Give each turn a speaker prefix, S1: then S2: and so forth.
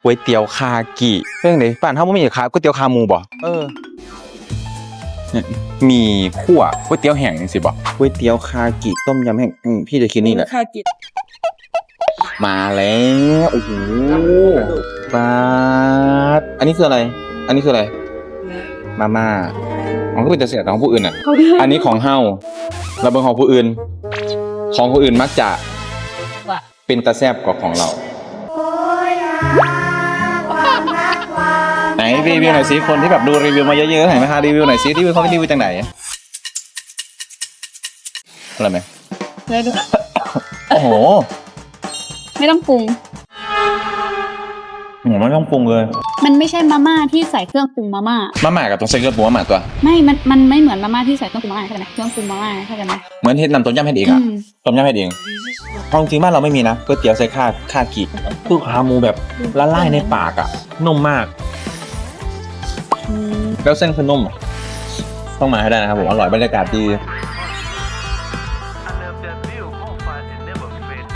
S1: ก๋วยเตี๋ยวคากิเรื่องไหนป่านเฮาบ่มีขายก๋วยเตี๋ยวขาหมูบ่เนี่ยมีคั่วก๋วยเตี๋ยวแห้งจังซี่บ่ก๋วยเตี๋ยวคากิต้มยำแห้งพี่จะคิดนี่แหละ
S2: คากิ
S1: มาแล้วโอ้โหปาดอันนี้คืออะไร อันนี้คืออะไรมาม่ามันก็เป็นแต่เสียของผู้อื่นอ่ะ อันนี้ของเฮาเราเป็นของผู้อื่น ของผู้อื่นมักจะ
S2: ว่ะ
S1: เป็นตาแซบกว่าของเราไหนรีวิวหน่อยสิคนที่แบบดูรีวิวมาเยอะๆเห็นไหมคะรีวิวหน่อยสิรีวิวเขารีวิวจากไหนอะไรไหม
S2: ได้ด้วย
S1: โอ้โห
S2: ไม่ต้องปรุง
S1: ผมไม่ต้องปรุงเลย
S2: มันไม่ใช่มาม่าที่ใส่เครื่องปรุงมาม่า
S1: มาม่ากับต้องใส่เครื่องปรุงมาม่าตัว
S2: ไม่มันไม่เหมือนมาม่าที่ใส่เครื่องปรุงมาม่าเข้าใจไหมเครื่องปรุงมาม่าเข้าใจไหม
S1: เหมือนเฮ็ดนำต้มยำเฮ็ดเองอะต้มยำเฮ็ดเองเอาจริงๆบ้านเราไม่มีนะก๋วยเตี๋ยวใส่คากิคือขาหมูแบบละลายในปากอะนุ่มมาก แล้วเส้นคือนุ่มอะต้องมาให้ได้นะครับผมอร่อยบรรยากาศดี